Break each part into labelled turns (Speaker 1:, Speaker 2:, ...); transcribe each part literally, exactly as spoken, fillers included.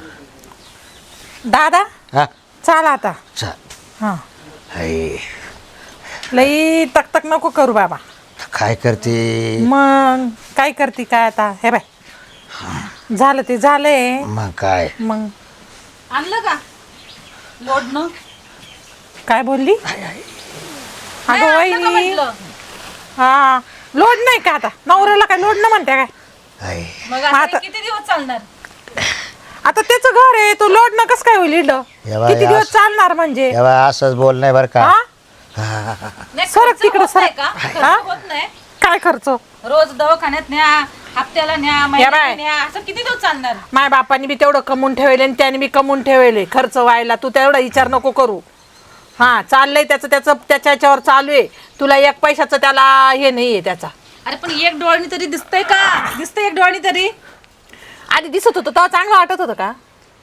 Speaker 1: दादा
Speaker 2: हा
Speaker 1: चाल आता.
Speaker 2: चल
Speaker 1: हा
Speaker 2: हाय
Speaker 1: लई तक तक नको करू बाबा.
Speaker 2: काय करते
Speaker 1: मग काय करते काय आता हे बाय झालं ते झालंय.
Speaker 2: मग काय
Speaker 1: मग
Speaker 3: आणलं का लोडनं?
Speaker 1: काय बोलली
Speaker 3: नाही,
Speaker 1: अगं
Speaker 3: आणलं का
Speaker 1: वहिनी?
Speaker 3: म्हटलं?
Speaker 1: हा लोड नाही का आता नवऱ्याला काय लोड न म्हणते काय?
Speaker 2: हाय
Speaker 3: मग आता
Speaker 1: आता-
Speaker 3: हे किती दिवस चालणार?
Speaker 1: आता त्याचं घर आहे तू लोड न कस काय होईल इकडं?
Speaker 2: एव्हा
Speaker 1: किती दिवस
Speaker 2: यास-
Speaker 1: चालणार म्हणजे
Speaker 2: तेव्हा असंच बोल नाही बरं का
Speaker 1: हा
Speaker 3: नाही,
Speaker 1: सरक
Speaker 3: खर्च
Speaker 1: तिकडं,
Speaker 3: होत नाही
Speaker 1: सरक.
Speaker 3: का? खर्च
Speaker 1: हा?
Speaker 3: होत नाही.
Speaker 1: काय खर्च?
Speaker 3: रोज दवाखान्यात न्या, हप्त्याला न्या,
Speaker 1: बाय.
Speaker 3: महिन्याला न्या, असं किती दिवस चालणार?
Speaker 1: माय बापानी बी तेवढं कमवून ठेवले आणि त्याने बी कमवून ठेवले खर्च व्हायला. तू तेवढा विचार नको करू. हा चाललंय त्याचं त्याचं त्याच्या याच्यावर चालू आहे. तुला एक पैशाचं त्याला हे नाहीये त्याचा.
Speaker 3: अरे पण एक डोळणी तरी दिसतंय का? दिसतंय एक डोळणी तरी?
Speaker 1: आधी दिसत होतं तेव्हा चांगलं वाटत होतं का?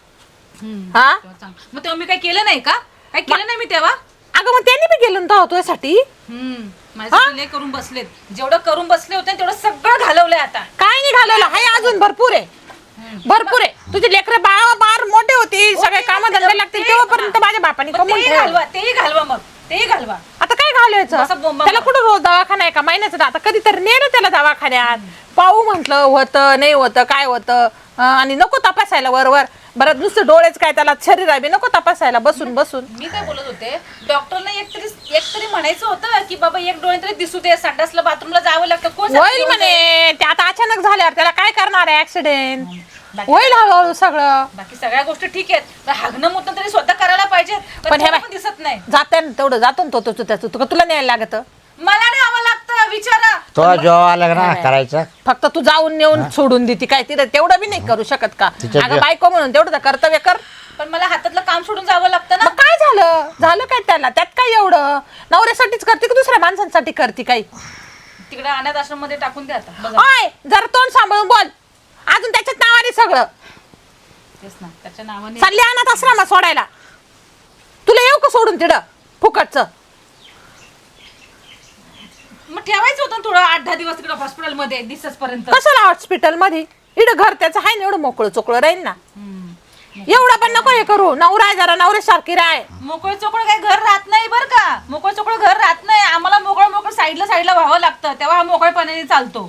Speaker 1: हा
Speaker 3: तेव्हा चांग- मग तेव्हा मी काय केलं नाही का? काय केलं नाही मी तेव्हा?
Speaker 1: अगं मग त्यांनी बी गेलं ना तुझ्यासाठी.
Speaker 3: हम्म माझ्यासाठी लय करून बसलेत. जेवढं करून बसले होते तेवढं सगळं घालवलंय आता.
Speaker 1: काय नाही घालवलं हाय अजून भरपूर आहे. भरपूर आहे. तुझे लेकर बाळ बार मोठे होते सगळे काम धंदे लागतील तेव्हापर्यंत माझ्या बापाने
Speaker 3: मग
Speaker 1: कमवून
Speaker 3: तेही
Speaker 1: ठेवलं.
Speaker 3: घालवा, तेही घालवा, मग तेही घालवा.
Speaker 1: आता काय
Speaker 3: असं
Speaker 1: घालवायचं
Speaker 3: बोंबा-
Speaker 1: त्याला कुठं रोज दवाखाना आहे का महिन्याचं? आता कधीतरी नेलं त्याला दवाखान्यात पाहू म्हटलं होतं नाही होतं काय होतं अं, आणि नको तपासायला वरवर बरं नुसतं डोळेच काय त्याला शरीर आहे बी नको तपासायला बसून बसून.
Speaker 3: मी काय बोलत होते डॉक्टरला एक तरी एक तरी म्हणायचं होतं की बाबा एक डोळे तरी दिसू दे, संडासला बाथरूमला जावं लागतं. कोण सांगतं
Speaker 1: होईल
Speaker 3: एवढं?
Speaker 1: म्हणे ते आता अचानक झाल्यावर त्याला काय करणार आहे ऍक्सिडेंट
Speaker 3: बाकी-
Speaker 1: होईल हळूहळू सगळं.
Speaker 3: बाकी सगळ्या गोष्टी ठीक आहेत पण हागणं मुतणं तरी स्वतः करायला पाहिजे.
Speaker 1: पण
Speaker 3: पण
Speaker 1: हे
Speaker 3: हे
Speaker 1: बाय-
Speaker 3: पण दिसत नाही.
Speaker 1: जाते ना तेवढं जातो ना तो तो- तो त्याचं तुका तुला न्यायला लागत.
Speaker 3: मला नाही हवं लागतं विचारा.
Speaker 2: तो जेव्हा आला ना करायचं
Speaker 1: फक्त तू जाऊन नेऊन सोडून देते काय तिथं तेवढं बी नाही करू शकत का?
Speaker 2: तिच्या
Speaker 1: अगं
Speaker 2: जे-
Speaker 1: बायको म्हणून तेवढं तर कर्तव्य कर.
Speaker 3: पण मला हातातलं काम सोडून जावं लागतं ना.
Speaker 1: मग काय झालं झालं काय त्याला त्यात काय एवढं? नवऱ्यासाठीच करते की दुसऱ्या माणसांसाठी करते काही?
Speaker 3: तिकडे अनाथ आश्रम मध्ये टाकून द्या आता बघा.
Speaker 1: होय जरा तोंड सांभाळून बोल. अजून त्याच्यात नावाने सगळं
Speaker 3: तेच ना त्याच्या नावाने.
Speaker 1: चालली अनाथ आश्रमात सोडायला. तुला येऊ का सोडून तिडं फुकटचं?
Speaker 3: मग ठेवायचं होतं ना थोडं आठ दहा दिवस तिकडे हॉस्पिटल मध्ये दिसस पर्यंत.
Speaker 1: कशाला हॉस्पिटल मध्ये? इकडं घर त्याचं आहे ना एवढं मोकळं चोकळं राहील ना. एवढं पण नको हे करू. नवरा आहे जरा नवऱ्यासारखी राय.
Speaker 3: मोकळ चोकळ काही घर राहत नाही बरं का. मोकळ चोकळ घर राहत नाही. आम्हाला मोकळ मोकळ साईडला साईडला व्हावं लागतं तेव्हा हा मोकळपणाने चालतो.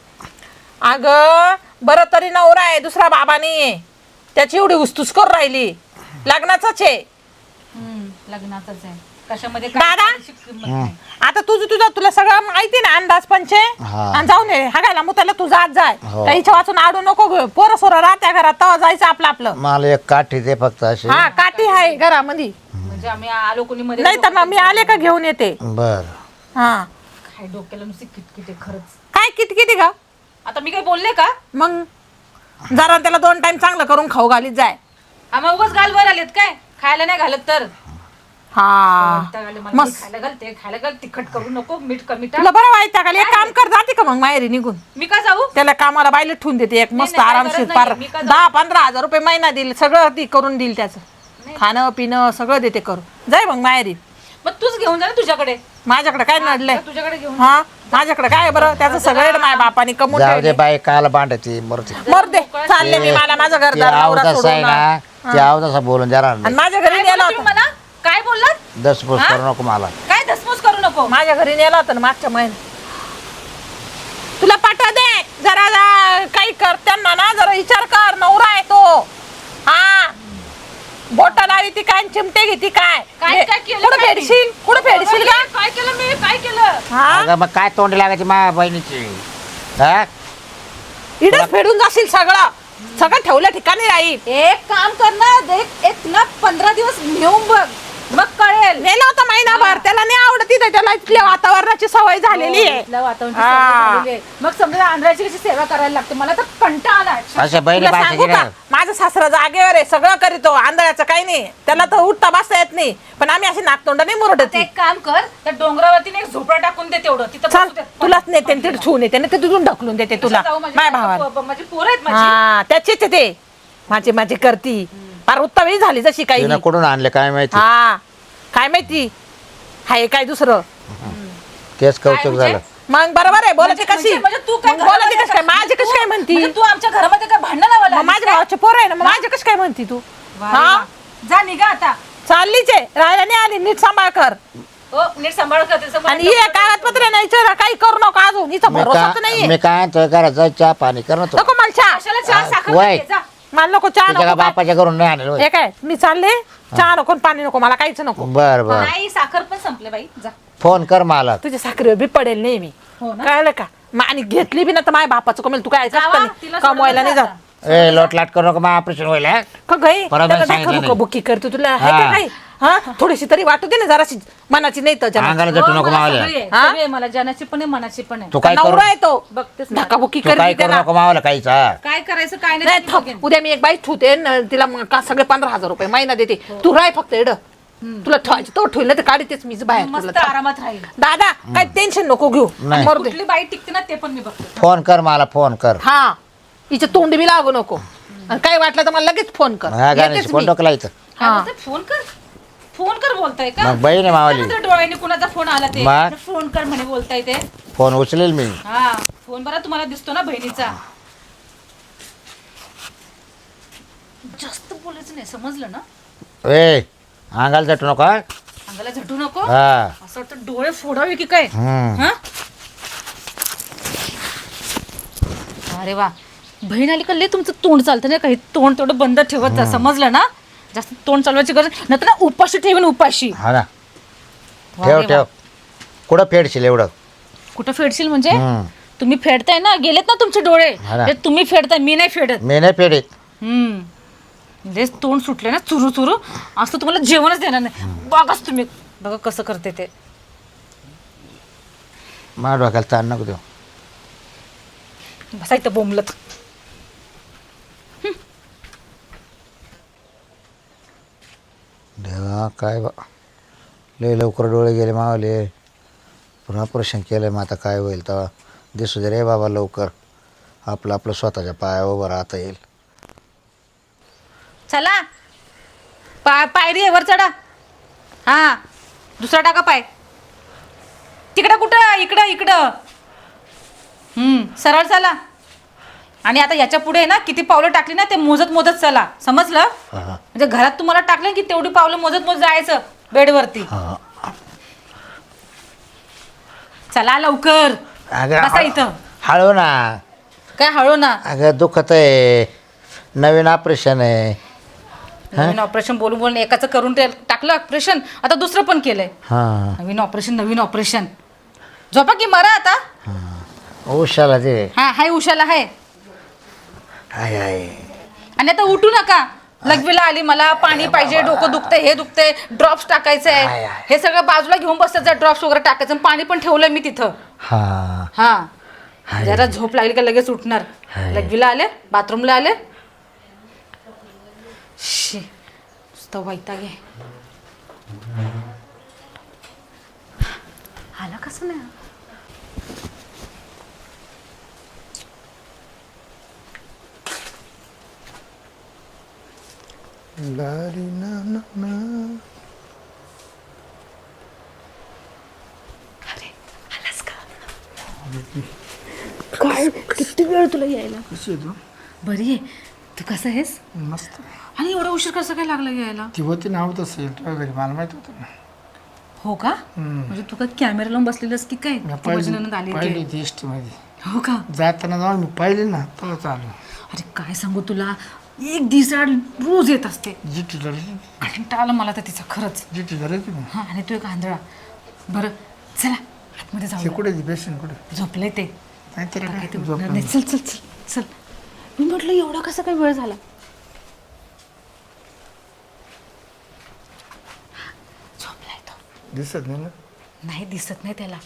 Speaker 1: अगं बरं तरी नवरा आहे दुसरा बाबा नाहीये त्याची एवढी उस्तुस करून राहिली. लग्नाचाच आहे
Speaker 3: हम्म लग्नाचंच आहे. कशामध्ये
Speaker 1: दादा?
Speaker 3: काय किंमत नाही.
Speaker 1: आता तुझं तुझं तुला सगळं माहिती ना अंदाज पंचे.
Speaker 2: हा.
Speaker 1: आणि जाऊन ये हागायला मुताला तू जात जाय
Speaker 2: हो.
Speaker 1: त्याच्या वाचून आडू नको घेऊ. पोरं सोरं राहत्या घरात तेव्हा जायचं आपलं आपलं.
Speaker 2: मला एक काठी दे फक्त अशी
Speaker 1: हा काठी आहे घरामध्ये.
Speaker 3: म्हणजे आम्ही आलो कोणी मध्ये
Speaker 1: नाही तर मग मी आले का घेऊन येते.
Speaker 2: बर
Speaker 1: हा
Speaker 3: काय डोक्याला नुसती किटकिटे खरंच.
Speaker 1: काय किती किती का
Speaker 3: आता मी काही बोलले का?
Speaker 1: मग जरा त्याला दोन टाइम चांगलं करून खाऊ घालीत जाय.
Speaker 3: आम्हा उगाच गालवर आलेत काय? खायला नाही घालत तर
Speaker 1: हा
Speaker 3: वैताग आले मला.
Speaker 1: मस्त.
Speaker 3: मी खायला घालते खायला घाल तिखट करू नको मीठ कमी टाक.
Speaker 1: तुला बरं वाईट का? एक काम कर जाते का मग माहेरी निघून?
Speaker 3: मी का जाऊ?
Speaker 1: त्याला कामाला बायला ठेवून देते एक मस्त
Speaker 3: नाही, काय
Speaker 1: आरामशीर
Speaker 3: गरज
Speaker 1: पार
Speaker 3: नाहीये. मी का जाऊ?
Speaker 1: दहा पंधरा हजार रुपये महिना देईल सगळं ती करून देईल त्याचं खाणं पिणं सगळं देते करून. जाय मग माहेरी.
Speaker 3: मग तूच घेऊन जा ना तुझ्याकडे.
Speaker 1: माझ्याकडे काय नडलंय?
Speaker 3: तुझ्याकडे घेऊन
Speaker 1: हा माझ्याकडे काय आहे बरं त्याचं सगळं माझ्या बापाने कमवून
Speaker 2: जाऊ दे
Speaker 1: ठेवले.
Speaker 2: बाई काल बांधती मरते
Speaker 1: मर दे चालले मी मला माझं घर
Speaker 2: ते
Speaker 1: नवरा
Speaker 2: आव तसा
Speaker 1: सोडून
Speaker 2: आहे ना ते आव तसा बोलून जरा
Speaker 1: आणि माझ्या घरी
Speaker 3: काय
Speaker 1: नेला
Speaker 3: बोलला तुम्ही
Speaker 1: होता.
Speaker 3: मला? काय बोललात?
Speaker 2: दसपूस करू नको मला.
Speaker 3: काय धसमूस करू नको.
Speaker 1: माझ्या घरी नेला होता ना मागच्या महिन्यात. तुला पाठवा दे जरा जा- काही कर त्यांना ना जरा विचार कर. नवरा आहे तो. हा बोटा लावी ती काय चिमटे घेती काय
Speaker 3: काय काय केलं
Speaker 1: कुठं
Speaker 3: काय मी?
Speaker 1: फेडशील कुठं फेडशील का?
Speaker 3: काय केलं मी? काय केलं?
Speaker 1: हा
Speaker 2: अगं मग काय तोंडी लागायची मा बहिणीची हा
Speaker 1: इडच फेडून जाशील सगळं सगळं ठेवल्या ठिकाणी राहील.
Speaker 3: एक काम कर ना एक एक ना पंधरा दिवस नेऊन बघ मग कळेल.
Speaker 1: नेला होता महिनाभर त्याला नाही आवडत तिथे त्याला इथल्या वातावरणाची सवय झालेली आहे.
Speaker 3: इथल्या वातावरणाची
Speaker 1: हा.
Speaker 3: सवय झालेली आहे. मग समजा आंध्राची कशी सेवा करायला लागते मला तर कंटाळा आलाय.
Speaker 2: अशा बहिणी
Speaker 1: तुला सांगू
Speaker 2: पाहिजे
Speaker 1: का माझं सासरा जागेवर आहे सगळं करीतो आंधळ्याचं काही नाही त्याला तर उठता बसता येत नाही पण आम्ही अशी नाकतोंड नाही मुरडत.
Speaker 3: आता एक काम कर त्या डोंगरावरती एक झोपडा टाकून दे तेवढं तिथं
Speaker 1: चाल
Speaker 3: बसू दे.
Speaker 1: तुलाच नेते आणि तिथे ठेवून येते ना ते तिथून ढकलून देते तुला
Speaker 3: जाऊ माझी-
Speaker 1: माय भावाला.
Speaker 3: माझी पोरं आहेत माझी.
Speaker 1: हा त्याचीच आहे ते माझी माझी करती फार उत्तम झाली जशी काही
Speaker 2: तिनं कुठून आणले काय माहिती
Speaker 1: हा काय माहिती हाय काय दुसरं.
Speaker 2: तेच
Speaker 3: काय
Speaker 2: कौतुक
Speaker 3: म्हणजे?
Speaker 2: झालं
Speaker 1: मग बरोबर आहे बोलायची कशी
Speaker 3: म्हणजे- म्हणजे तू काय
Speaker 1: मग बोलायची
Speaker 3: घरामध्ये
Speaker 1: कशी काय माझी कशी काय म्हणती
Speaker 3: म्हणजे तू आमच्या घरामध्ये काय भांडण लावायला
Speaker 1: मग माझ्या भावाचे पोर आहे ना मग माझी कशी काय म्हणती तू हा
Speaker 3: जा निघा आता
Speaker 1: चाललीच आहे राहायला नाही आली नीट सांभाळ कर
Speaker 3: हो नीट सांभाळ कर त्याचं
Speaker 1: आणि हे कागदपत्र नाही विचारा काही करू नका अजून हिचा
Speaker 2: मी
Speaker 1: भरोसाच
Speaker 2: काय
Speaker 1: नाहीये
Speaker 2: मी काय म्हणतोय घरात चहा पाणी कर ना तू
Speaker 1: नको मला चहा
Speaker 3: कशाला चहा साखर
Speaker 2: वय.
Speaker 3: घे, जा.
Speaker 1: मला नको चहा
Speaker 2: तुझ्या
Speaker 1: नको काय.
Speaker 2: बापाच्या घरून नाही आणलं होय.
Speaker 1: हे काय मी चालले चहा नको आणि पाणी नको मला काहीच नको
Speaker 2: बर बर
Speaker 3: नाही साखर पण संपले बाई जा
Speaker 2: फोन कर मला
Speaker 1: तुझ्या साखरेवर बी पडेल नाही मी
Speaker 3: हो ना?
Speaker 1: कळलं का मग आणि घेतली बी ना तर माझ्या बापाचं कमेल तू काय
Speaker 3: जावा, तिला सोडून
Speaker 1: कमवायला नाही
Speaker 3: जा
Speaker 1: जात
Speaker 2: ए लोट लाट करू नका मग ऑपरेशन होईल हा?
Speaker 1: का गई
Speaker 2: परत
Speaker 1: त्याला
Speaker 2: सांगितलं
Speaker 1: दाखवू का
Speaker 2: नाही.
Speaker 1: बुकी करतो तुला आहे का
Speaker 2: हा.
Speaker 1: काही हा थोडीशी तरी वाटू दे ना जराशी मनाची नाही तर जनाची.
Speaker 2: अंगाला
Speaker 3: हो,
Speaker 2: जटू नको
Speaker 3: मला
Speaker 2: मावल्या
Speaker 3: सगळी आहे,
Speaker 1: हा?
Speaker 3: सगळी आहे मला जनाची पण आहे मनाची पण आहे
Speaker 2: तू काय करू
Speaker 1: नवरा आहे तो
Speaker 3: बघतेच ना.
Speaker 1: धक्काबुक्की
Speaker 2: तू काय
Speaker 1: करते
Speaker 2: करू
Speaker 1: त्याला
Speaker 2: नको मावला काहीच हा.
Speaker 3: काय करायचं काय नाही
Speaker 1: नाही
Speaker 3: ते
Speaker 1: थांब.
Speaker 3: बघेन.
Speaker 1: उद्या मी एक बाई ठेवते न तिला मग का सगळे पंधरा हजार रुपये महिना देते तू राय फक्त एड तुला ठेवायची तो ठेवलं तर काढतेच मीच बाहेर
Speaker 3: मस्त
Speaker 1: तुला.
Speaker 3: आरामात राहील
Speaker 1: दादा काय टेन्शन नको घेऊ
Speaker 2: नाही.
Speaker 1: मरू दे
Speaker 3: कुठली बाई टिकते ना ते पण मी बघते
Speaker 2: फोन कर मला फोन कर
Speaker 1: हा हिचे तोंड बी लागू नको आणि काय वाटलं तर मला लगेच फोन कर
Speaker 2: हा गाण्याची
Speaker 1: येतेच
Speaker 2: फोन
Speaker 1: मी.
Speaker 2: डोकला इथं
Speaker 3: काय
Speaker 1: हा.
Speaker 3: बोलते? फोन कर फोन कर बोलताय का
Speaker 2: मग बहीण आहे मावली
Speaker 3: काय म्हणते डोळ्याने कुणाचा फोन आला ते
Speaker 2: मग?
Speaker 3: फोन कर म्हणे बोलताय ते
Speaker 2: फोन उचलेल मी
Speaker 3: हा फोन बरा तुम्हाला दिसतो ना बहिणीचा जास्त बोलायचं नाही समजलं ना
Speaker 2: ए अंगाला जटू नको हा?
Speaker 3: अंगाला झटू नको
Speaker 2: हा
Speaker 3: असं वाटतं डोळे फोडावे की काय
Speaker 2: हम्म.
Speaker 3: हा अरे वा बहीण आली का लय तुमचं तोंड चालतं नाही काही तोंड तेवढं बंद ठेवत जा समजलं ना जास्त तोंड चालवायची गरज नाही तर उपाशी ठेवीन उपाशी
Speaker 2: हा ना
Speaker 3: वा
Speaker 2: ठेव
Speaker 3: रे वा.
Speaker 2: ठेव कुठं फेडशील एवढं
Speaker 3: कुठं फेडशील म्हणजे
Speaker 2: हम्म.
Speaker 3: तुम्ही फेडताय ना गेलेत ना तुमचे डोळे
Speaker 2: हा ना.
Speaker 3: ते तुम्ही फेडताय मी नाही फेडत
Speaker 2: मी नाही फेडीत
Speaker 3: हम्म लेच तोंड सुटले ना चुरू चुरू असं तुम्हाला जेवणच देणार नाही बघाच तुम्ही बघा कसं करते ते
Speaker 2: माझ्या डोक्याला ताण नको देऊ
Speaker 3: बसा इथं बोंबलत
Speaker 2: देवा काय बा लय लवकर डोळे गेले मावले पुन्हा ऑपरेशन केलं मग आता काय होईल तेव्हा दिसू दे रे बाबा लवकर आपलं आपलं स्वतःच्या पायावर उभं राहता येईल
Speaker 3: चला पाय पायरी आहे वर चढा हा दुसरा टाका पाय तिकडं कुठं इकडं इकडं हम्म सरळ चला आणि आता याच्या पुढे ना किती पावलं टाकली ना ते मोजत मोजत चला समजलं
Speaker 2: हा
Speaker 3: म्हणजे घरात तुम्हाला टाकलं की तेवढी पावलं मोजत मोजत जायचं बेडवरती
Speaker 2: हा
Speaker 3: चला लवकर
Speaker 2: अगं
Speaker 3: बसा इथं
Speaker 2: हळू ना
Speaker 3: काय हळू ना
Speaker 2: अगं दुखत आहे नवीन ऑपरेशन आहे
Speaker 3: नवीन ऑपरेशन बोलून बोलून एकाचं करून ते टाकलं ऑपरेशन आता दुसरं पण केलंय
Speaker 2: हां
Speaker 3: नवीन ऑपरेशन नवीन ऑपरेशन झोपा की मरा आता
Speaker 2: उशाला दे
Speaker 3: हा हाय उशाला हाय
Speaker 2: हाय हाय
Speaker 3: आणि आता उठू नका लघवीला आली मला पाणी पाहिजे डोकं दुखतंय हे दुखतंय ड्रॉप्स टाकायचं
Speaker 2: आय,
Speaker 3: आहे
Speaker 2: आय.
Speaker 3: हे सगळं बाजूला घेऊन बसतात ड्रॉप्स वगैरे टाकायचं आणि पाणी पण ठेवलंय मी तिथं
Speaker 2: हां
Speaker 3: हा
Speaker 2: हाय.
Speaker 3: जरा झोप लागली का लगेच उठणार
Speaker 2: हाय.
Speaker 3: लघवीला आले बाथरूमला आले शी नुसतं वैताग आहे आला कसं नाही
Speaker 2: लारी ना ना ना.
Speaker 3: आलास का काय किती वेळ तुला यायला
Speaker 4: कशी आहे तू
Speaker 3: बरी आहे तू कसं आहेस
Speaker 4: मस्त
Speaker 3: आणि एवढा उशीर कसं काय लागला यायला
Speaker 4: ती होती नाव तसं तुझ्या घरी मला माहित होतं ना
Speaker 3: हो का म्हणजे तू काय कॅमेरा लावून बसलेलंस की काय
Speaker 4: मी
Speaker 3: तू माझी नणंद आली
Speaker 4: पाहिली
Speaker 3: होती.
Speaker 4: होती एस मध्ये
Speaker 3: हो का
Speaker 4: जाताना जाऊन मी पाहिले ना तेव्हा चालू
Speaker 3: अरे काय सांगू तुला एक दिवसाआड रोज येत असते
Speaker 4: जिटी धरायची
Speaker 3: कंटाळा आला मला तर तिचा खरंच
Speaker 4: जिटी धरायची ना
Speaker 3: हा आणि तू एक आंधळा बरं चला आतमध्ये
Speaker 4: ते
Speaker 3: जाऊ
Speaker 4: कुठे ती पेशंट कुठे
Speaker 3: झोपलंय ते
Speaker 4: नाहीतर
Speaker 3: काय
Speaker 4: काय
Speaker 3: ते
Speaker 4: झोप
Speaker 3: उठणार नाही. चल चल चल चल मी म्हटलं एवढा कसा काय वेळ झाला झोपलाय तो
Speaker 4: दिसत नाही ना
Speaker 3: नाही दिसत नाही त्याला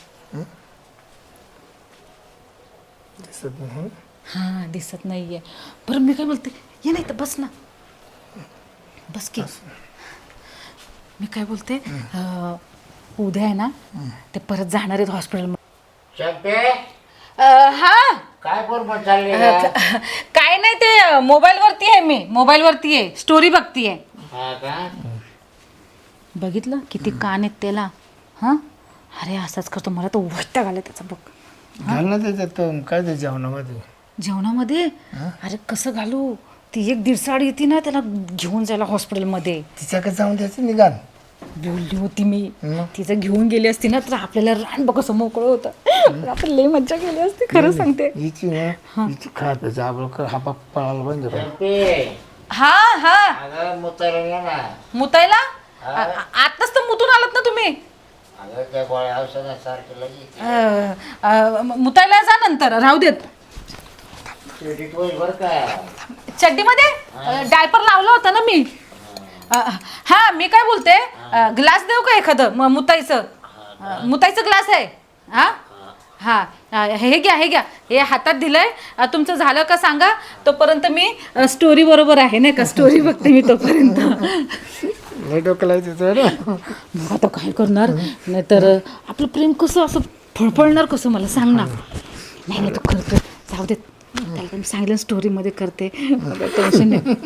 Speaker 4: दिसत नाही हं?
Speaker 3: हा दिसत नाहीये बरं मी काय बोलते ये नाही तर बस ना बस की मी काय बोलते अं, उद्या आहे ना ते परत जाणार आहेत हॉस्पिटल
Speaker 2: चंपे
Speaker 3: हा
Speaker 2: काय फोन पण चालली
Speaker 3: काय नाही ते मोबाईल वरती आहे मी मोबाईल वरती आहे स्टोरी बघतीये
Speaker 2: हा का
Speaker 3: बघितलं किती कान आहेत त्याला हा अरे असाच करतो मला तर वैताग आला त्याचा बघ
Speaker 4: घाल ना त्याच्यात तो काय ते जेवणामध्ये
Speaker 3: जेवणामध्ये अरे कसं घालू ती एक दीडसाड येते ना त्याला घेऊन जायला हॉस्पिटलमध्ये
Speaker 4: तिच्याकडे जाऊन द्यायचं निघाल
Speaker 3: बोलली होती मी
Speaker 4: मग?
Speaker 3: तिचं घेऊन गेली असती ना तर आपल्याला रान बघ कसं मोकळं होतं पण आपण लई मज्जा केली असती खरं सांगते
Speaker 4: हिची ना हिची खा प्यायचं आपण हा पाप पळायला बंद कर.
Speaker 3: हा हा
Speaker 2: अगं मुतायला ये ना.
Speaker 3: मुतायला आ- आ- आताच तर मुतून आलात ना तुम्ही
Speaker 2: अगं त्या गोळ्या औषधासारखी लगेच
Speaker 3: अ, अ, म- मुतायला जा नंतर राहू देत
Speaker 2: क्रेडिट होईल बरं का.
Speaker 3: चड्डीमध्ये डायपर लावला होता ना मी अ, हा मी काय बोलते ग्लास देऊ का एखादं म- मुताईचं अ, मुताईचं ग्लास आहे हा हा अ, हे घ्या हे घ्या हे हातात दिलंय अ, तुमचं झालं का सांगा तोपर्यंत मी स्टोरी बरोबर आहे नाही का स्टोरी बघते मी तोपर्यंत
Speaker 4: लय डोकं लावायचं ना
Speaker 3: मग आता काय करणार नाहीतर आपलं प्रेम कसं असं फळफळणार कसं मला सांग ना नाही नाही तू करतो जाऊ देत त्याला पण सांगितलं स्टोरीमध्ये करते मला टेन्शन नाही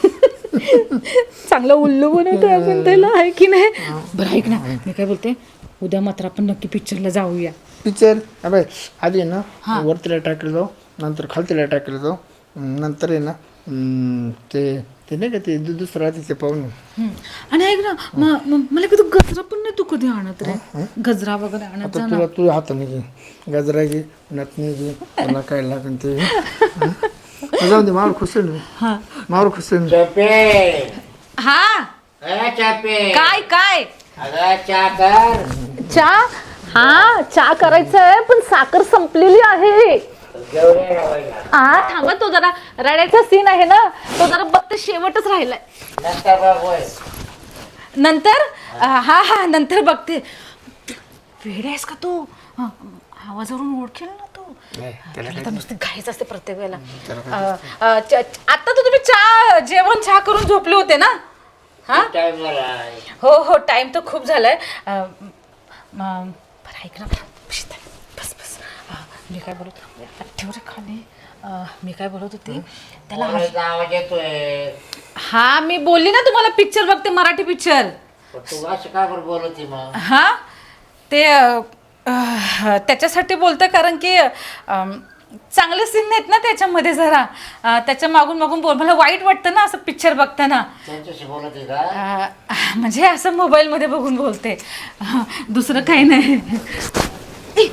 Speaker 3: चांगलं उल्लू बनवतो आपण त्याला आहे की नाही बरं ऐक ना मी काय बोलते उद्या मात्र आपण नक्की पिक्चरला जाऊया
Speaker 4: पिक्चर अबे आधी आहे ना वरतीला टाकलं जाऊ नंतर खालतीला टाकलं जाऊ नंतर आहे ना हम्म, ते ते नाही का ते दु- दुसरं राहते ते पाहून
Speaker 3: हम्म. आणि ऐक ना म- म- मला कधी गजरा पण नाही तू कधी आणत रे गजरा वगैरे आणत
Speaker 4: आता
Speaker 3: जा ना
Speaker 4: तुला तुझ्या हाताने घे गजरा घे नथनी घे तुला काय लागेल ते घे. हं? जाऊ दे मावर खुश आहे
Speaker 3: हा
Speaker 4: मावर खुश आहे
Speaker 2: चपे
Speaker 3: हा
Speaker 2: ए चपे
Speaker 3: काय काय
Speaker 2: अगं चा कर.
Speaker 1: चहा हा चहा करायचं आहे पण साखर संपलेली आहे
Speaker 2: घेऊन ये रवायला.
Speaker 1: हा थांबा तो जरा रडायचा सीन आहे ना तो जरा बघते शेवटच राहिलाय
Speaker 2: नंतर बघ होय.
Speaker 3: नंतर अ, हा हा नंतर बघते वेळ आहेस का तू अ, आवाजावरून ओळखेल ना तू त्याला तर नुसती घाईच असते प्रत्येक वेळेला अ, अ, च- च- आता तर तुम्ही चहा जेवण चहा करून झोपले होते ना हा
Speaker 2: टाइम झालाय.
Speaker 3: हो हो टाइम तर खूप झालाय अ, म- बरं ऐक ना शीतल, बस बस अ, मी काय बोलत ठेव रे खाली अ, मी काय बोलत होती त्याला
Speaker 2: पोराचा आवाज येतोय.
Speaker 3: हा मी बोलली ना तुम्हाला पिक्चर बघते मराठी पिक्चर
Speaker 2: पण तू असं का बरं बोलती मग?
Speaker 3: हा ते अ, अ, त्याच्यासाठी बोलतं कारण की अम, चांगले सीन आहेत ना त्याच्यामध्ये जरा अ, त्याच्या मागून मागून बोल मला वाईट वाटतं ना असं पिक्चर बघताना
Speaker 2: त्यांच्याशी बोलत आहे का?
Speaker 3: अ, म्हणजे असं मोबाईलमध्ये बघून बोलते अ, दुसरं काही नाही ए!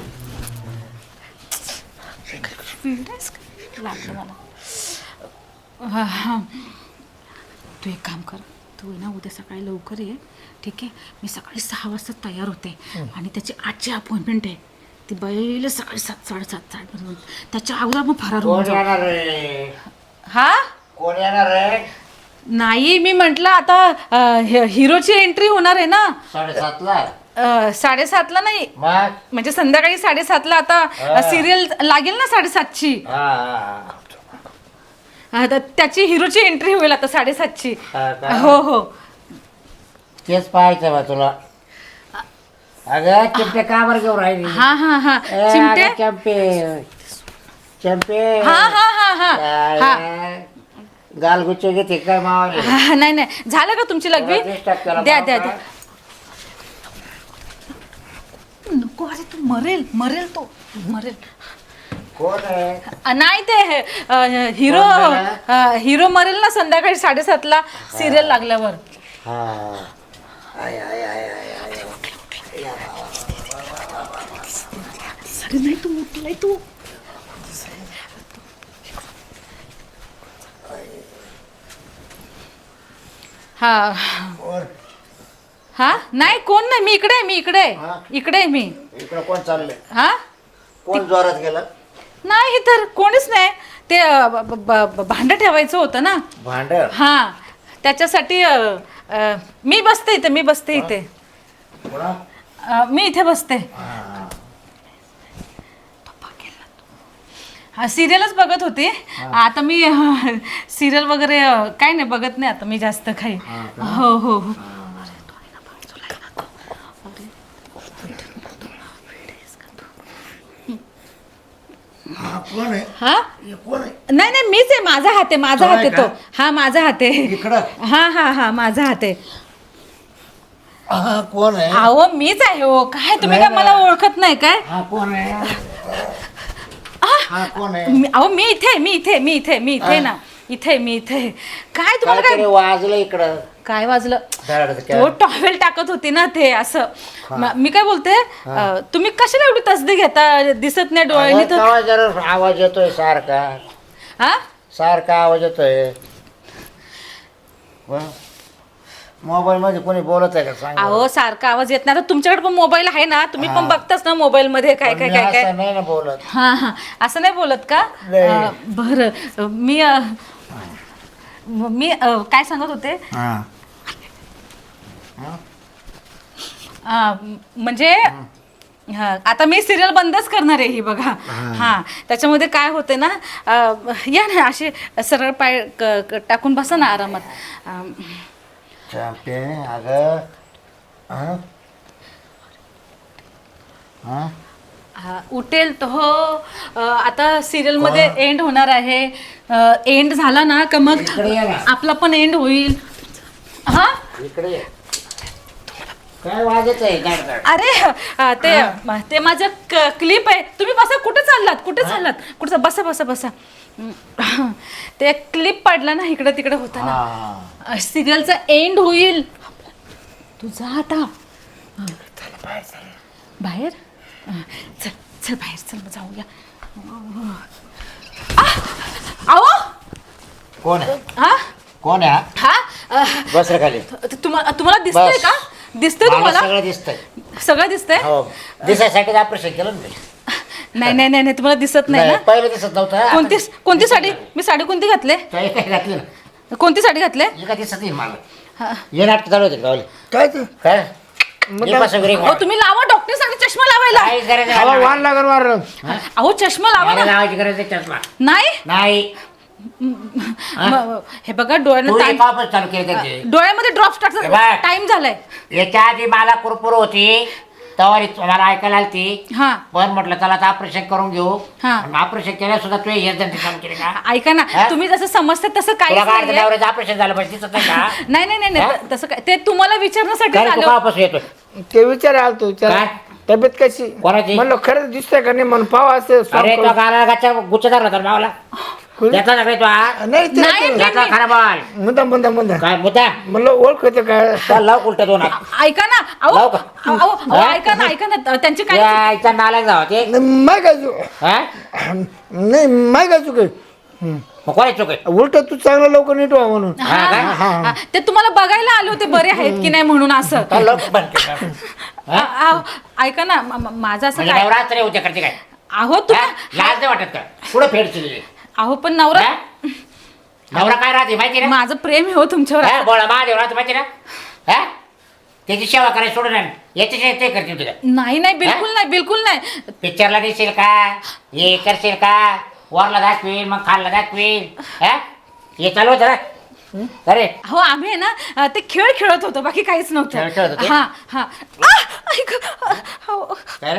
Speaker 3: लागलं मला अ, हा. तू एक काम कर तू आहे ना उद्या सकाळी लवकर ये ठीक आहे मी सकाळी सहा वाजता तयार होते आणि त्याची आजची अपॉइंटमेंट आहे ती बैल सकाळी सात साडेसात साडेपर्यंत त्याच्या अगोदर मग फरार होऊन
Speaker 2: कोण
Speaker 3: जाऊ.
Speaker 2: येणार रे?
Speaker 3: हा
Speaker 2: कोण येणार रे?
Speaker 3: नाही मी म्हटलं आता अ, हे- हिरोची एंट्री होणार आहे ना
Speaker 2: साडेसातला
Speaker 3: अ, साडेसातला नाही
Speaker 2: मग
Speaker 3: म्हणजे संध्याकाळी साडेसातला आता
Speaker 2: हा.
Speaker 3: सिरियल लागेल ना साडेसातची
Speaker 2: हा, हा,
Speaker 3: आता त्याची हिरोची एंट्री होईल आता साडेसातची
Speaker 2: हा का?
Speaker 3: हो हो
Speaker 2: तेच पाहायचं बा तुला. अगं चिमटे का बरं घेऊन राहिली?
Speaker 3: हा हा हा
Speaker 2: ए,
Speaker 3: चिमटे
Speaker 2: अगं, चंपे चंपे
Speaker 3: हा हा हा हा हा
Speaker 2: गालगुच्चे घेते काय मावाले?
Speaker 3: हा, नाही नाही झालं का तुमची लग्वी
Speaker 2: तुला disturb केला
Speaker 3: द्या
Speaker 2: मावा
Speaker 3: द्या
Speaker 2: का?
Speaker 3: द्या नको अरे तू मरेल मरेल तो मरेल
Speaker 2: कोण आहे?
Speaker 3: अ, नाही ते अ, हिरो
Speaker 2: कोण गेला?
Speaker 3: अ, हिरो मरेल ना संध्याकाळी साडेसातला सिरियल लागल्यावर
Speaker 2: हा आय आय आय आय आय.
Speaker 3: अरे नाही तू उठलाय तू हा
Speaker 2: कोण?
Speaker 3: हा नाही कोण नाही मी इकडे आहे मी इकडे आहे.
Speaker 2: हा?
Speaker 3: इकडे आहे मी
Speaker 2: इकडं कोण चाललंय?
Speaker 3: हा
Speaker 2: कोण जोरात गेलं?
Speaker 3: नाही तर कोणीच नाही ते अ, ब- ब- ब- भांडं ठेवायचं होतं ना
Speaker 2: भांड
Speaker 3: हा त्याच्यासाठी अ, अ, मी बसते इथे मी बसते इथे
Speaker 2: कोणा?
Speaker 3: अ, मी इथे बसते हा सिरियलच बघत होते आता मी सिरियल वगैरे अ, काही नाही बघत नाही आता मी जास्त काही हो हो हो
Speaker 2: कोण आहे?
Speaker 3: हा
Speaker 2: हे कोण आहे?
Speaker 3: नाही नाही मीच आहे माझा हात आहे माझा
Speaker 2: तो
Speaker 3: हात
Speaker 2: आहे
Speaker 3: आहे तो
Speaker 2: का?
Speaker 3: हा माझा हात आहे
Speaker 2: इकडं?
Speaker 3: हा हा हा माझा हात आहे
Speaker 2: हा कोण आहे?
Speaker 3: अहो मीच आहे हो. काय तुम्ही काय मला ओळखत नाही काय?
Speaker 2: हा कोण आहे? हा कोण आहे?
Speaker 3: मी- अहो मी इथे मी इथे मी इथे मी इथे ना इथे मी इथे काय तुम्हाला
Speaker 2: काहीतरी
Speaker 3: काय
Speaker 2: वाजलं इकडं.
Speaker 3: काय वाजलं?
Speaker 2: धड
Speaker 3: तो
Speaker 2: क्या?
Speaker 3: टॉवेल टाकत होती ना ते असं. म- मी काय बोलते अं, तुम्ही कशाला एवढी तसदी घेता? दिसत नाही डोळ्यांनी तर.
Speaker 2: आवाज जरा आवाज येतोय सारखा
Speaker 3: हा
Speaker 2: सारखा आवाज येतोय. मोबाईल मध्ये कोणी बोलत आहे का सांग बरं.
Speaker 3: अहो सारखा आवाज येत नाही. आता तुमच्याकडे पण मोबाईल आहे ना, तुम्ही पण बघताच ना मोबाईल मध्ये काय
Speaker 2: पण
Speaker 3: काय
Speaker 2: मी
Speaker 3: काय काय.
Speaker 2: असं नाही ना बोलत.
Speaker 3: हा हा असं नाही बोलत का?
Speaker 2: नाही.
Speaker 3: अं, बरं मी अं, मी अं, काय सांगत होते
Speaker 2: हा.
Speaker 3: अं, म्हणजे हा आता मी सिरियल बंदच करणार आहे ही बघा. हा त्याच्यामध्ये काय होते ना अं, या ना असे सरळ पाय क- क- टाकून बसा ना आरामात. अं,
Speaker 2: चालते अगं. हा? हा?
Speaker 3: हा, उठेल तो हो. अं, आता सिरियल मध्ये एंड होणार आहे. एंड झाला ना का मग
Speaker 2: इकडे ये ना.
Speaker 3: आपला पण एंड होईल. हा
Speaker 2: इकडे ये. काय वाजत आहे गाड गाड?
Speaker 3: अरे अं, ते ते माझं क्लिप आहे. तुम्ही बसा. कुठे चाललात? कुठे चाललात? कुठं बसा बसा बसा. हं. ते क्लिप पडला ना इकडे तिकडे होता
Speaker 2: हा.
Speaker 3: ना. सिरियलचा एंड होईल. तू जा आता. हं. बाहेर हं. चल चल बाहेर चल मग जाऊया. आह! अहो
Speaker 2: कोण आहे?
Speaker 3: हा
Speaker 2: कोण आहे हा?
Speaker 3: हा अं,
Speaker 2: बस रे खाली.
Speaker 3: तुम्हाला तुम्हाला दिसतंय
Speaker 2: बस.
Speaker 3: का? दिसतंय
Speaker 2: मला
Speaker 3: तुम्हाला?
Speaker 2: सगळं दिसतंय.
Speaker 3: सगळं दिसतंय?
Speaker 2: हो दिसायसाठी ऑपरेशन केलं ना मी.
Speaker 3: नाही नाही नाही नाही, तुम्हाला दिसत नाही
Speaker 2: नाही
Speaker 3: ना.
Speaker 2: पहिलं दिसत नव्हतं. आता
Speaker 3: कोणती
Speaker 2: दिसत.
Speaker 3: कोणती साडी? मी साडी कोणती घातले?
Speaker 2: काही काही घातली ना.
Speaker 3: कोणती साडी घातले?
Speaker 2: हे का दिसत नाही मला.
Speaker 3: हा.
Speaker 2: हे नाटक चालू होते गावले.
Speaker 4: काय ते
Speaker 2: काय? ये पासून घरी
Speaker 3: अहो तुम्ही लावा डॉक्टर सांगते चष्मा लावायला.
Speaker 2: काही गरज
Speaker 4: हवा
Speaker 2: नाही.
Speaker 4: वाण लागल मारलं.
Speaker 3: अहो चष्मा लावा
Speaker 2: मला
Speaker 3: ना.
Speaker 2: लावायची गरज आहे चष्मा.
Speaker 3: नाही
Speaker 2: नाही
Speaker 3: म- हे बघा डोळ्यांना
Speaker 2: तू
Speaker 3: ताण-
Speaker 2: वापस चालू केलं त्यांचे.
Speaker 3: डोळ्यामध्ये ड्रॉप्स
Speaker 2: हे
Speaker 3: टाकतात.
Speaker 2: बघ.
Speaker 3: टाइम झालाय.
Speaker 2: याच्या आधी मला कुरकुर होती तवारी मला ऐकायला आलती.
Speaker 3: हा
Speaker 2: पण म्हटलं चला आता ऑपरेशन करून घेऊ.
Speaker 3: हा.
Speaker 2: ऑपरेशन केल्या सुद्धा तू हे जण काम केले का?
Speaker 3: ऐका ना
Speaker 2: हा?
Speaker 3: तुम्ही जसं समजता तसं
Speaker 2: तुला
Speaker 3: काहीच
Speaker 2: काय
Speaker 3: नाहीये.
Speaker 2: नवऱ्याचं ऑपरेशन झालं पाहिजे दिसत नाही का?
Speaker 3: नाही नाही नाही
Speaker 2: हा?
Speaker 3: नाही तसं काय ते तुम्हाला विचारण्यासाठी
Speaker 2: काय रे, तू
Speaker 3: झालं.
Speaker 2: का वापस येतो?
Speaker 4: ते विचार आलतो विचार
Speaker 2: काय?
Speaker 4: तब्येत कशी
Speaker 2: कोणाची?
Speaker 4: म्हणलं खरंच दिसतंय का नाही म्हणून पाव असं
Speaker 2: अरे तो गाला गाच्या गुच्छदार होता रे मावला. त्याचा नव्हे तो हा?
Speaker 4: नाही ते
Speaker 3: नाही,
Speaker 4: ते-
Speaker 2: त्याचा खरा बॉल.
Speaker 4: मुद्दा मुद्दा मुद्दा
Speaker 2: काय मुद्दा?
Speaker 4: म्हणलं ओळख होते काय
Speaker 2: चल लाव उलट दोन हात.
Speaker 3: ऐका ना अहो
Speaker 2: लावू का?
Speaker 3: अहो, अहो, अहो,
Speaker 2: हा?
Speaker 3: ऐका ना ऐका ना त्यांची काय
Speaker 2: या इथं नालायक जावं ते.
Speaker 4: माय काय चुक
Speaker 2: हा?
Speaker 4: नाही माय काय चुक
Speaker 2: मग कोणाची चूक आहे?
Speaker 4: उलट तू चांगलं लवकर नीट व्हा म्हणून
Speaker 3: हा,
Speaker 2: हा,
Speaker 3: हा, हा. ते तुम्हाला बघायला आले होते बरे आहेत की नाही म्हणून असं.
Speaker 2: चल लवकर बंद कर.
Speaker 3: अ- अहो, ऐका ना म- म- माझं असं
Speaker 2: म्हणजे
Speaker 3: काय
Speaker 2: नवराच रे उद्या करते काय?
Speaker 3: अहो
Speaker 2: हा?
Speaker 3: तुम्ही
Speaker 2: लाज नाही वाटत का? पुढे फेडची.
Speaker 3: अहो पण नवरा
Speaker 2: हा? नवरा काय राहते माहिती ना?
Speaker 3: माझं प्रेम आहे हो तुमच्यावर.
Speaker 2: हा, बोला महादेव राहते माहिती ना? हा? त्याची सेवा करायची सोडून आण. याच्याशिवाय ते करतील तुला.
Speaker 3: नाही नाही बिलकुल नाही बिलकुल नाही.
Speaker 2: पिक्चरला दिसेल का? हे करशील का? वरला दाखवील मग खालला दाखवील. हा? हे चालू होतं ना? अरे
Speaker 3: हो आम्ही आहे ना अ, ते खेळ खेळत होतो बाकी काहीच
Speaker 2: खेळ खेळत
Speaker 3: नव्हतं.
Speaker 2: होते?
Speaker 3: हा हा आ, ऐक. हो.
Speaker 2: काय रे?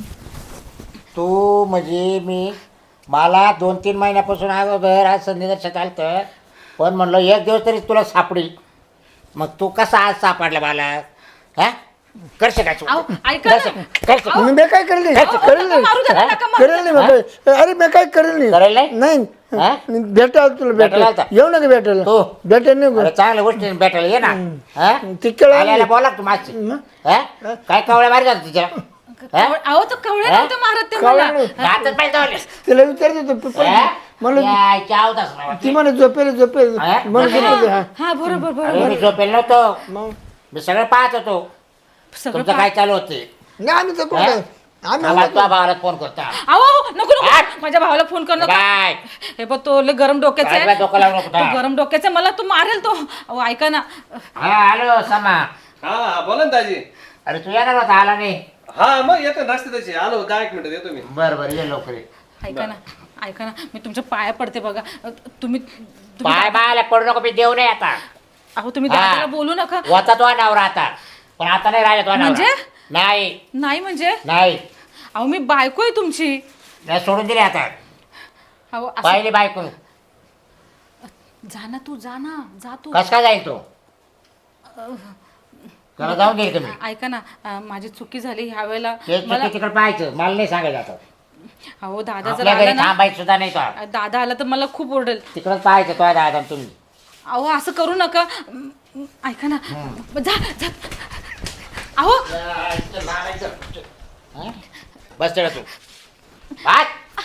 Speaker 2: तू म्हणजे मी मला दोन तीन महिन्यापासून अगोदर आज संधी आलं पण म्हणलं एक दिवस तरी तुला सापडी. मग तू कसा आज सापडला मला? हा करशे काय?
Speaker 3: अहो, ऐका ना.
Speaker 2: करशे
Speaker 4: मी मी काय करेल नाही
Speaker 3: अहो,
Speaker 4: करेल
Speaker 3: नका मारू
Speaker 4: नाही
Speaker 3: त्याला, नका मारू
Speaker 4: करेल नाही मी काय. अरे मी काय करेल
Speaker 2: करेल
Speaker 4: नाही
Speaker 2: नाही?
Speaker 4: नाही
Speaker 2: हा?
Speaker 4: भेटायला तुला
Speaker 2: भेटायला
Speaker 4: भेटायला
Speaker 2: आलता?
Speaker 4: येऊ नका भेटायला
Speaker 2: हो.
Speaker 4: भेटायला नाही
Speaker 2: अरे चांगल्या गोष्टी भेटायला ये ना. हा?
Speaker 4: तिकडे
Speaker 2: आल्याला बोला तू माझी. हा? काय कवळ्या मारी जात तिच्या? हा?
Speaker 3: अहो तो कवळे
Speaker 2: हा?
Speaker 3: नव्हते मारत ते
Speaker 4: कवळे
Speaker 3: मला.
Speaker 4: नाही.
Speaker 2: दातच पाहिजे जावले.
Speaker 4: तिला विचारत होतो
Speaker 2: हा?
Speaker 4: म्हणलं
Speaker 2: यायच्या अवताच नाही
Speaker 4: ती म्हणे झोपेल झोपेल
Speaker 2: हा?
Speaker 4: म्हणून झोपेल हा
Speaker 3: हा बरोबर बरोबर
Speaker 2: अरे मी झोपेल नव्हतो.
Speaker 4: मग
Speaker 2: मी सगळं पाहत होतो
Speaker 3: सगळं
Speaker 2: तुमचं काय चालू होते.
Speaker 4: नाही आम्ही तर कुठं
Speaker 2: हा?
Speaker 4: काय? आम्ही
Speaker 2: आम्हाला तुझ्या भावाला फोन करता.
Speaker 3: अहो अहो, नको नको
Speaker 2: हा?
Speaker 3: माझ्या भावाला फोन कर नका.
Speaker 2: काय
Speaker 3: हे बघ तो लय गरम डोक्याचा
Speaker 2: काय
Speaker 3: आहे.
Speaker 2: डोकं लावू नको
Speaker 3: तो
Speaker 2: आता.
Speaker 3: गरम डोक्याचा आहे, मला तो मारेल तो. अहो ऐका ना
Speaker 2: हा हॅलो समा.
Speaker 5: हा हा बोला ना दाजी.
Speaker 2: अरे तू येणार होता आला नाही.
Speaker 5: हा मग येतो ना रस्ते त्याची आलो दहा एक मिनिटात येतो मी.
Speaker 2: बर बर ये लवकर ये.
Speaker 3: ऐका ना ऐका ना मी तुमच्या पाया पडते बघा. तुम्ही तुम्ही-
Speaker 2: पाय बायला पडू नको मी देऊ नये आता.
Speaker 3: अहो तुम्ही
Speaker 2: हा.
Speaker 3: दादाला बोलू नका.
Speaker 2: होता तो नवरा आता पण आता नाही राहिला तो नवरा.
Speaker 3: म्हणजे?
Speaker 2: नाही
Speaker 3: नाही म्हणजे
Speaker 2: नाही
Speaker 3: अहो मी बायको आहे तुमची.
Speaker 2: नाही, सोडून दिले आता.
Speaker 3: अहो असं-
Speaker 2: पहिली बायको
Speaker 3: जा ना तू जा ना जा तू.
Speaker 2: कस काय जाईल तो? त्याला जाऊन गेली तुम्ही
Speaker 3: ऐका ना अं, माझी चुकी झाली ह्या वेळेला
Speaker 2: ते
Speaker 3: मला
Speaker 2: तिकडे पाहायचं मला नाही सांगायचं आता
Speaker 3: अहो दादा जर
Speaker 2: आपल्या
Speaker 3: आला
Speaker 2: घरी
Speaker 3: ना
Speaker 2: थांबायचं सुद्धा नाही तो
Speaker 3: दादा आला तर मला खूप ओरडेल.
Speaker 2: तिकडंच पाहायचं तो दादा तुम्ही
Speaker 3: अहो असं करू नका. अं, ऐका ना जा जा. अहो
Speaker 2: हं? बस तेवढं तू काय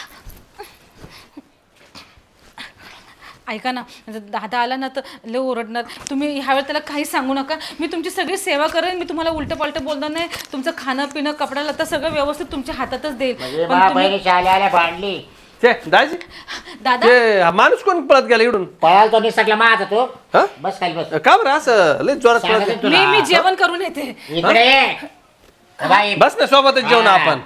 Speaker 3: ऐका ना जर दादा आला ना तर लय ओरडणार. तुम्ही ह्यावेळेला त्याला काही सांगू नका. मी तुमची सगळी सेवा करेन. मी तुम्हाला उलटं पालटं बोलणार नाही. तुमचं खाणं पिणं कपडा लत्ता सगळं व्यवस्थित तुमच्या हातातच देईल.
Speaker 2: म्हणजे
Speaker 3: पण
Speaker 2: मा
Speaker 3: तुम्ही
Speaker 2: बहिणीच्या आल्या आल्या भांडली
Speaker 5: ते दाजी
Speaker 3: दादा
Speaker 5: ते हा माणूस कोण पळत गेला इकडून
Speaker 2: पळाल तो निसटला माझा तो
Speaker 5: हा
Speaker 2: बस खाली बस
Speaker 5: का बरं असं लय जोरात पळत
Speaker 2: सांगायचं
Speaker 5: गेला?
Speaker 3: मी
Speaker 2: तुला
Speaker 3: मी जेवण करून येते.
Speaker 2: इकडे ये. बाई
Speaker 5: बस ना सोबतच जेवण
Speaker 2: हा.
Speaker 5: आपण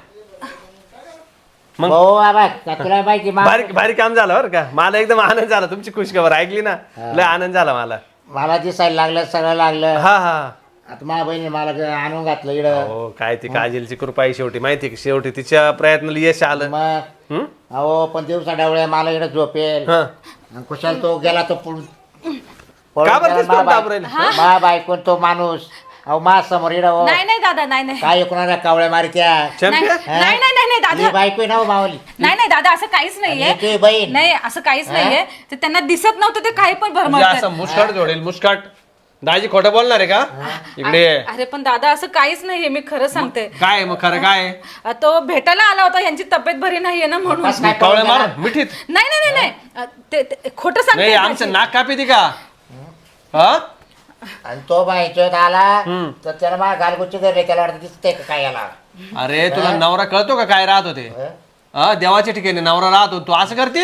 Speaker 5: मग
Speaker 2: भाऊ बाबा का तुला माहिती मा-
Speaker 5: भारी भारी काम झालं बरं का मला एकदम आनंद झाला तुमची खुशखबर ऐकली ना लय आनंद झाला मला
Speaker 2: मला दिसायला लागलं सगळं लागलं
Speaker 5: हा हा
Speaker 2: आता माझ्या बहिणी मला ग- आणून घातलं इकडं
Speaker 5: हो काय ती काजलची कृपा आहे शेवटी माहिती आहे का? शेवटी तिच्या प्रयत्नाला यश आलं
Speaker 2: मग
Speaker 5: हम्म?
Speaker 2: अहो पण दिवसा डावळ्या मला इकडे झोपेल
Speaker 5: हा.
Speaker 2: आणि कुशाल तो गेला तो पुढ
Speaker 5: का बरं तेच करून दाबून राहिले?
Speaker 2: मा बायकोन तो माणूस अहो मा समोर इकडं हो.
Speaker 3: नाही नाही दादा नाही नाही
Speaker 2: काय कोणाला कावळ्या मारित्या
Speaker 3: नाही
Speaker 5: चॅम्पियन
Speaker 3: नाही नाही नाही नाही,
Speaker 2: ही
Speaker 3: दादा
Speaker 2: बायको आहे ना हो मावली
Speaker 3: नाही नाही दादा असं काहीच नाहीये.
Speaker 2: आणि तुझी बहीण?
Speaker 3: नाही असं काहीच
Speaker 2: हा?
Speaker 3: नाहीये. ते त्यांना दिसत नव्हतं ते काही पण
Speaker 5: म्हणजे
Speaker 3: भरमळतात.
Speaker 5: असं मुस्काट जोडेल मुस्काट दाजी खोटं बोलणार आहे का इकडे ये.
Speaker 3: अरे पण दादा असं काहीच नाहीये. मी खरं सांगते.
Speaker 5: काय आहे मग खरं काय आहे?
Speaker 3: अ, तो भेटायला आला होता. यांची तब्येत बरी नाहीये ना म्हणून.
Speaker 2: कसं काय
Speaker 5: कावळे
Speaker 2: पळून गेला?
Speaker 5: मार मिठीत
Speaker 3: नाही नाही नाही नाही अ, ते ते- खोटं सांगते
Speaker 5: नाही
Speaker 3: दाजी.
Speaker 5: आमचं नाक कापी ती का हा
Speaker 2: आणि तो बायचोत आला
Speaker 5: हम्म.
Speaker 2: तर त्याला मला गालगुच्ची धरले त्याला वाटतं दिसते का काय याला
Speaker 5: अरे तुला नवरा कळतो का काय राहत होते
Speaker 2: हं?
Speaker 5: हा देवाच्या ठिकाणी नवरा राहतो तू असं करते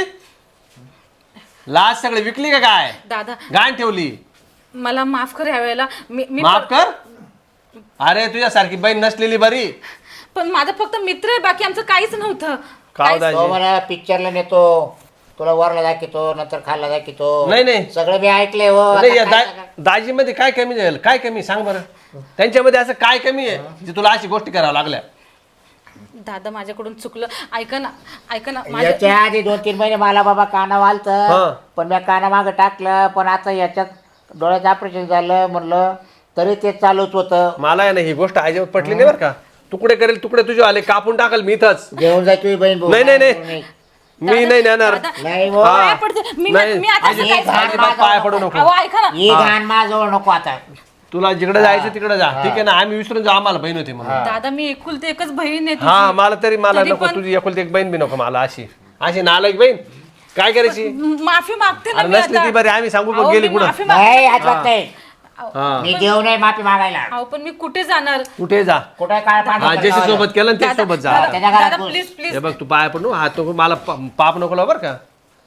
Speaker 5: लाज सगळे विकली का काय
Speaker 3: दादा
Speaker 5: गाण ठेवली
Speaker 3: मला माफ कर ह्या वेळेला. मी मी
Speaker 5: माफ कर अरे तुझ्यासारखी बहीण नसलेली बरी
Speaker 3: पण माझा फक्त मित्र आहे. बाकी आमचं काहीच नव्हतं.
Speaker 5: काव
Speaker 2: तो
Speaker 5: दाजी
Speaker 2: मला पिक्चरला नेतो तुला वरला दाखवतो नंतर खाल्ला दाखवतो
Speaker 5: नाही, नाही.
Speaker 2: सगळं मी ऐकलंय हो
Speaker 5: नाही,
Speaker 2: आता
Speaker 5: या
Speaker 2: काय
Speaker 5: दा-
Speaker 2: सांगा?
Speaker 5: दाजीमध्ये काय कमी झालं काय कमी सांग बरं त्यांच्यामध्ये असं काय कमी आहे जे तुला अशी गोष्टी करावं लागल्या
Speaker 3: दादा माझ्याकडून चुकलं. ऐका ना ऐका ना माझ्या
Speaker 2: याच्या आधी दोन तीन महिने मला बाबा काना वालत
Speaker 5: हं.
Speaker 2: पण मी काना मागं टाकलं पण आता याच्यात डोळ्याचं ऑपरेशन झालं म्हणलं तरी ते चालूच होतं
Speaker 5: मला आहे ना ही गोष्ट अजिबात पटली नाही बरं का तुकडे करेल तुकडे तुझे आले कापून टाकल मी इथंच
Speaker 2: जेवण जाय तुझी बहीण भाऊ.
Speaker 5: नाही नाही नाही मी नाही नेणार
Speaker 3: दादा,
Speaker 2: नाही हो.
Speaker 5: हा.
Speaker 3: पाया पडते. मी
Speaker 5: नाही.
Speaker 3: मी आता असं
Speaker 2: आजी,
Speaker 3: काहीच
Speaker 2: घाण
Speaker 3: करत
Speaker 2: माझं
Speaker 5: पाया पडू नको
Speaker 3: अहो ऐका ना
Speaker 2: ही घाण माझ्याजवळ नको आता
Speaker 5: तुला जिकडे जायचं तिकडे जा ठीक आहे ना आम्ही विसरून जा आम्हाला बहीण होती म्हणून
Speaker 3: दादा मी एकुलती एकच बहीण आहे
Speaker 5: हा
Speaker 3: तुझी.
Speaker 5: मला तरी मला
Speaker 3: तरी
Speaker 5: नको
Speaker 3: पण-
Speaker 5: तुझी एकुलती एक बहीण बी नको मला अशी अशी नालायक बहीण काय करायची
Speaker 3: माफी मागते ना
Speaker 5: अरे
Speaker 3: मी
Speaker 5: नसली
Speaker 3: आता.
Speaker 5: ती बरी आम्ही सांगू
Speaker 3: अहो,
Speaker 5: बघ गेली
Speaker 3: मी
Speaker 5: कुठं
Speaker 3: माफी माग-
Speaker 2: नाही अजिबात नाही
Speaker 5: हा
Speaker 2: मी देऊ नाही माफी मागायला
Speaker 3: अहो पण मी कुठे जाणार
Speaker 5: कुठे जा
Speaker 2: कुठे काय
Speaker 5: हा ज्याच्या सोबत केलं ना त्याच्या सोबत जा
Speaker 3: दादा
Speaker 2: त्याच्या घरात
Speaker 3: दादा,
Speaker 2: घुस.
Speaker 3: प्लीज प्लीज
Speaker 5: हे बघ तू पाया पडू हा तो मला पा- पाप नको लावू बरं का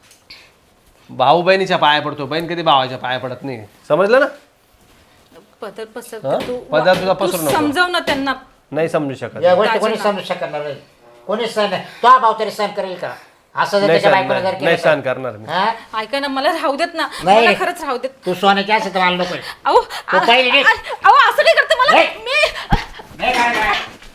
Speaker 5: भाऊ बहिणीच्या पाया पडतो बहीण कधी भावाच्या पाया पडत नाही समजलं ना
Speaker 3: पदर पसर
Speaker 5: हा?
Speaker 3: तू
Speaker 5: पदर तुझा
Speaker 3: तू
Speaker 5: पसरू नको.
Speaker 3: समजाव ना त्यांना.
Speaker 5: नाही समजू शकत
Speaker 2: या गोष्टी कोणी
Speaker 3: दाजींना.
Speaker 2: समजू शकणार नाही कोणी सण तो भाऊ तरी सण करेल का असं जर
Speaker 5: नाही
Speaker 2: त्याच्या
Speaker 5: सहन-
Speaker 2: बायकोला जर
Speaker 5: नाही
Speaker 2: केलं
Speaker 5: नाही सहन
Speaker 2: तर-
Speaker 5: करणार मी
Speaker 2: हा?
Speaker 3: ऐका ना मला राहू देत ना
Speaker 2: नाही.
Speaker 3: मला खरंच राहू देत.
Speaker 2: तू सोन्याची असं तर मला नको
Speaker 3: अहो
Speaker 2: तू पहिले निघ.
Speaker 3: अहो असं नाही करते मला
Speaker 2: नाही.
Speaker 3: मी
Speaker 2: नाही करणार.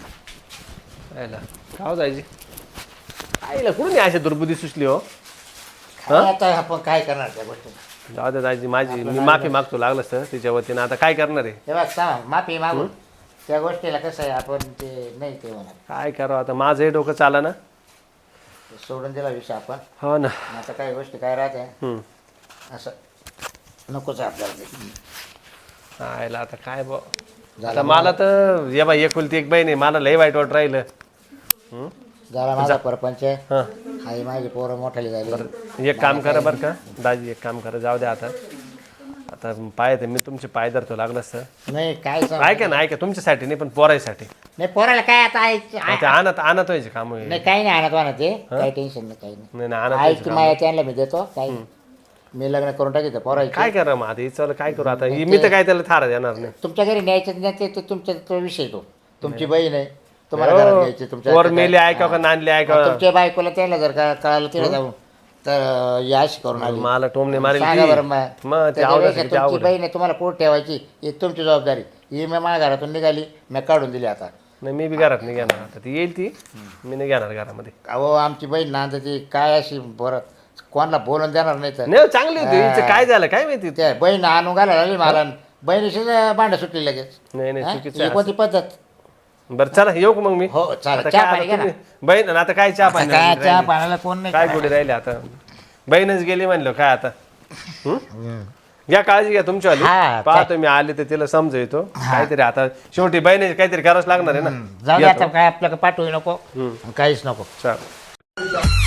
Speaker 5: यायला खाव जायची आईला कुठून अशी दुर्बुद्धी सुचली हो
Speaker 2: काय आता आपण काय करणार त्या गोष्टी
Speaker 5: जाऊ दे दाजी माझी मी माफी मागतो लागलं सर तिच्या वतीनं आता काय करणार आहे
Speaker 2: हे बघ सांग माफी मागू त्या गोष्टीला कसं आहे आपण ते नाही ते होणार
Speaker 5: काय करावं आता माझंही डोकं चाला ना
Speaker 2: ते सोडून दिला विषय आपण
Speaker 5: हो ना
Speaker 2: आता काही गोष्टी काय राहते
Speaker 5: हम्म.
Speaker 2: असं नकोच आहे आपल्याला ते.
Speaker 5: आयला आता काय बा
Speaker 2: झालं
Speaker 5: आता मला तर ये बाई एकुलती एक बहीण आहे मला लय वाईट वाट राहिलं हम्म?
Speaker 2: झाला माझा परपंच
Speaker 5: हं.
Speaker 2: आई माझी पोरं मोठाली झाली
Speaker 5: एक काम करा बरं का दाजी एक काम करा जाऊ द्या आता आता पाय ते मी तुमचे पाय धरतो लागलं सर
Speaker 2: नाही काय सांग
Speaker 5: ऐका ना ऐका तुमच्यासाठी नाही पण पोरायसाठी
Speaker 2: नाही पोराला काय आता आई
Speaker 5: मग ते आणत आणत व्हायचे काम होईल
Speaker 2: नाही काही नाही आणत वाना ते काही टेन्शन नाही काही नाही
Speaker 5: नाही नाही आणत
Speaker 2: आई
Speaker 5: व्हायचे
Speaker 2: की
Speaker 5: काम.
Speaker 2: माया त्यांना मी देतो काही मी लग्न करून टाकीत पोरायचे
Speaker 5: काय करा मग आता हिचं काय करू आता ही- मी तर काय त्याला थारा देणार नाही
Speaker 2: तुमच्या घरी न्यायचं नाही ते ते तुमच्या तो विषय तो तुमची बहीण आहे तुम्हाला घरात घ्यायची तुमच्या
Speaker 5: पोर मेले ऐकावं का नांदले ऐकावं
Speaker 2: तुमच्या बायकोला त्याला जर का कळालं तिला जाऊन तर याश करून आली
Speaker 5: मला टोमने मारेल
Speaker 2: सांगा बरं
Speaker 5: ती.
Speaker 2: मग
Speaker 5: मग ते
Speaker 2: त्याच्यापेक्षा
Speaker 5: आवडायचं किती
Speaker 2: तुमची
Speaker 5: आवड
Speaker 2: बहीण आहे तुम्हाला कोण ठेवायची ही तुमची जबाबदारी ही मी माझ्या घरातून निघाली मी काढून दिली आता
Speaker 5: नाही मी बी घरात नाही घेणार आता ती येईल ती मी नाही घेणार घरामध्ये
Speaker 2: अहो आमची बहीण नांद ती काय अशी बरं कोणाला बोलून देणार नाही तर
Speaker 5: नाही चांगली होती हिचं काय झालं काय माहिती
Speaker 2: त्या बहीण आणून घालायला लागली मला बहिणीशीच भांडं सुटली लगेच.
Speaker 5: नाही नाही
Speaker 2: हा?
Speaker 5: चुकीचं
Speaker 2: ही
Speaker 5: आहे
Speaker 2: कोणती पद्धत?
Speaker 5: बरं चला येऊ का मग मी
Speaker 2: हो चालेल.
Speaker 5: आता
Speaker 2: चहा
Speaker 5: काय
Speaker 2: पाणी
Speaker 5: आता
Speaker 2: घ्या ना.
Speaker 5: तुम्ही- बहीण आणि आता काय चहा
Speaker 2: आता
Speaker 5: पाणी
Speaker 2: काय
Speaker 5: राहिली?
Speaker 2: चहा पाण्याला कोण नाही
Speaker 5: काय
Speaker 2: करायला.
Speaker 5: गोडी राहिले आता बहीणच गेली म्हणलं काय आता हं? घ्या काळजी घ्या तुमच्यावाली
Speaker 2: हा,
Speaker 5: पाहतो मी आले तर तिला समजवतो काहीतरी आता शेवटी बहिणी काहीतरी करावंच लागणार आहे ना
Speaker 2: जाऊ दे
Speaker 5: घेतो.
Speaker 2: आता काय आपल्याला पाठवू नको काहीच नको.
Speaker 5: चल